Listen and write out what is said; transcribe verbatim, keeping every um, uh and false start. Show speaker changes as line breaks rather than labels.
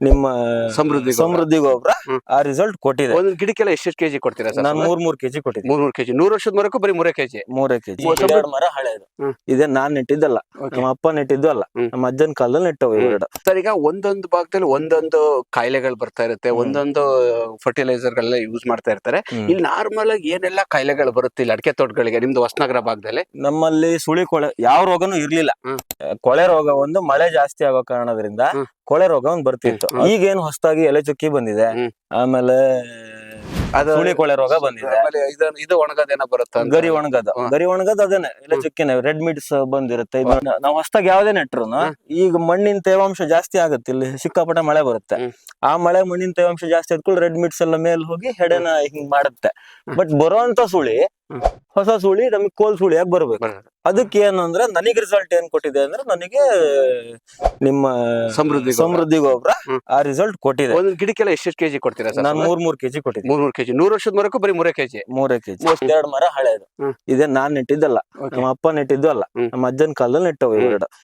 ನಿಮ್ಮ
ಸಮೃದ್ಧಿ ಗೊಬ್ರ.
ಸಮೃದ್ಧಿ ಗೊಬ್ಬರ
ಹ್ಮ್.
ಆ ರಿಸಲ್ಟ್ ಕೊಟ್ಟಿದೆ.
ಒಂದ್ ಗಿಡಕ್ಕೆಲ್ಲ ಎಷ್ಟೆಷ್ಟು ಕೆಜಿ ಕೊಡ್ತೀರಾ ಸರ್?
ನಾನು ಮೂರ್ ಮೂರ್ ಕೆಜಿ ಕೊಟ್ಟಿದ್ದೆ.
ಮೂರ್ ಮೂರ್ ಕೆಜಿ ನೂರ್ ವರ್ಷದ ಮರಕ್ಕೂ ಬರೀ ಮೂರೇ ಕೆಜಿ
ಮೂರೇ ಕೆಜಿ.
ಮೂರ್ ಸಮೃದ್ಧಿ-
ಎರಡು ಮರ ಹಳೆದು.
ಹ್ಮ್.
ಇದೇ ನಾನ್ ನೆಟ್ಟಿದ್ದಲ್ಲ,
Okay.
ನಮ್ಮ ಅಪ್ಪ ನೆಟ್ಟಿದ್ದು ಅಲ್ಲ,
ಹ್ಮ್.
ನಮ್ಮ ಅಜ್ಜನ ಕಾಲದಲ್ಲಿ ನೆಟ್ಟವು ಇವು ಗಿಡ.
ಸರ್, ಈಗ ಒಂದೊಂದು ಭಾಗದಲ್ಲಿ ಒಂದೊಂದು ಕಾಯಿಲೆಗಳು ಬರ್ತಾ ಇರುತ್ತೆ,
ಹ್ಮ್.
ಒಂದೊಂದು ಫರ್ಟಿಲೈಸರ್ ಗಳನ್ನ ಯೂಸ್ ಮಾಡ್ತಾ ಇರ್ತಾರೆ.
ಹ್ಮ್.
ಇಲ್ಲಿ ನಾರ್ಮಲ್ ಆಗಿ ಏನೆಲ್ಲ ಕಾಯಿಲೆಗಳು ಬರುತ್ತೆ ಇಲ್ಲಿ ಅಡಿಕೆ ತೋಟಗಳಿಗೆ ನಿಮ್ದು ಹೊಸನಗರ ಭಾಗದಲ್ಲಿ?
ನಮ್ಮಲ್ಲಿ ಸುಳಿ ಕೊಳೆ ಯಾವ ರೋಗನೂ ಇರ್ಲಿಲ್ಲ.
ಹ್ಮ್.
ಕೊಳೆ ರೋಗ ಒಂದು ಮಳೆ ಜಾಸ್ತಿ ಆಗೋ ಕಾರಣದಿಂದ
ಹ್ಮ್.
ಕೊಳೆ ರೋಗ ಒಂದು ಬರ್ತಿತ್ತು.
ಹ್ಮ್.
ಈಗೇನು ಹೊಸದಾಗಿ ಎಲೆ ಚುಕ್ಕಿ ಬಂದಿದೆ,
ಹ್ಮ್.
ಆಮೇಲೆ
ಅದು
ಸುಳಿ ಕೊಳೆ ರೋಗ ಬಂದಿದೆ,
ಆಮೇಲೆ ಇದು ಇದು ಒಣಗದೇನ ಬರುತ್ತೆ ಅಂತ.
ಗರಿ ಒಣಗದ
ಹ್ಮ್.
ಗರಿ ಒಣಗದ ಅದೇನೆ ಎಲೆ ಚುಕ್ಕಿನೇ ರೆಡ್ ಮಿಡ್ಸ್ ಬಂದಿರುತ್ತೆ. ಇದು ನಾವು ಹೊಸದಾಗಿ ಯಾವ್ದೇ ನೆಟ್ರು ಈಗ ಮಣ್ಣಿನ ತೇವಾಂಶ ಜಾಸ್ತಿ ಆಗುತ್ತೆ, ಇಲ್ಲಿ ಸಿಕ್ಕಾಪಟ್ಟೆ ಮಳೆ ಬರುತ್ತೆ.
ಹ್ಮ್.
ಆ ಮಳೆ ಮಣ್ಣಿನ ತೇವಾಂಶ ಜಾಸ್ತಿ ಆದ್ಕೊಂಡು ರೆಡ್ ಮಿಡ್ಸ್ ಎಲ್ಲ ಮೇಲ್ ಹೋಗಿ ಹೆಡೆನ ಹಿಂಗ್ ಮಾಡುತ್ತೆ. ಬಟ್ ಬರುವಂತ ಸುಳಿ
ಹ್ಮ್.
ಹೊಸ ಸುಳಿ ನಮಗೆ ಕೋಲ್ ಸುಳಿಯಾಗಿ ಬರ್ಬೇಕು.
ಬರೋದು.
ಅದಕ್ಕೆ ಏನಂದ್ರೆ ನನಗೆ ರಿಸಲ್ಟ್ ಏನ್ ಕೊಟ್ಟಿದೆ ಅಂದ್ರೆ ನನಗೆ ನಿಮ್ಮ
ಸಮೃದ್ಧಿ ಗೊಬ್ರ.
ಸಮೃದ್ಧಿ ಗೊಬ್ಬರ
ಹ್ಮ್.
ಆ ರಿಸಲ್ಟ್ ಕೊಟ್ಟಿದೆ.
ಒಂದ್ ಗಿಡಕ್ಕೆಲ್ಲ ಎಷ್ಟೆಷ್ಟು ಕೆಜಿ ಕೊಡ್ತೀರಾ ಸರ್?
ನಾನು ಮೂರ್ ಮೂರ್ ಕೆಜಿ ಕೊಟ್ಟಿದ್ದೆ.
ಮೂರ್ ಮೂರ್ ಕೆಜಿ ನೂರ್ ವರ್ಷದ ಮರಕ್ಕೂ ಬರೀ ಮೂರೇ ಕೆಜಿ
ಮೂರೇ ಕೆಜಿ.
ಮೂವತ್ತು.
ಎರಡು ಮರ ಹಳೆದು.
ಹ್ಮ್.
ಇದೇ ನಾನ್ ನೆಟ್ಟಿದ್ದಲ್ಲ,
Okay.
ನಮ್ಮ ಅಪ್ಪ ನೆಟ್ಟಿದ್ದು ಅಲ್ಲ,
ಹ್ಮ್.
ನಮ್ಮ ಅಜ್ಜನ ಕಾಲದಲ್ಲಿ ನೆಟ್ಟವು ಇವು ಗಿಡ.